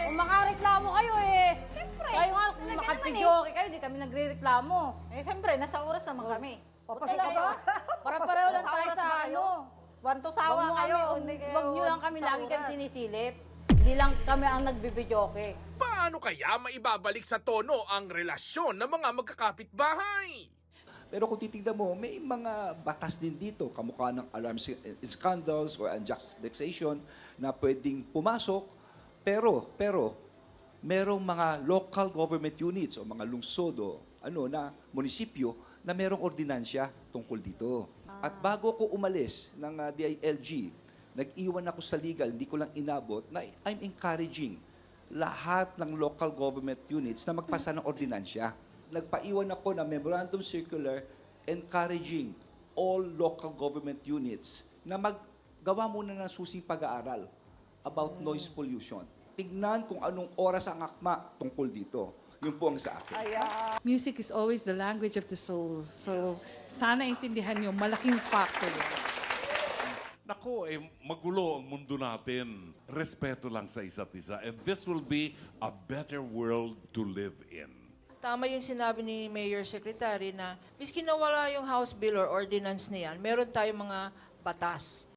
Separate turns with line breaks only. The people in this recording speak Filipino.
Kung makareklamo kayo eh.
Siyempre.
Kayo nga, kung
Talaga
makapidyoke kayo, di kami nagre-reklamo.
Eh, siyempre, nasa oras naman kami.
Papasok kayo. Para-pareho lang tayo sa ano.
Wanto sawa kayo.
Wag nyo lang kami lagi kami sinisilip. Hindi lang kami ang nagbibidyoke.
Paano kaya maibabalik sa tono ang relasyon ng mga magkakapitbahay?
Pero kung titignan mo, may mga batas din dito, kamukha ng alarm scandals or unjust vexation na pwedeng pumasok. Pero, merong mga local government units o mga lungsod o na munisipyo na merong ordinansya tungkol dito. At bago ko umalis ng DILG, nag-iwan ako sa legal, hindi ko lang inabot, na I'm encouraging lahat ng local government units na magpasa ng ordinansya. Nagpaiwan ako ng memorandum circular encouraging all local government units na maggawa muna ng susing pag-aaral about noise pollution. Tignan kung anong oras ang akma tungkol dito. Yun po ang sa akin.
Music is always the language of the soul. So, sana intindihan nyo, malaking factor yun.
Nako, magulo ang mundo natin. Respeto lang sa isa't isa. And this will be a better world to live in.
Tama yung sinabi ni Mayor Secretary na miski nawala yung House Bill or ordinance na yan, meron tayong mga batas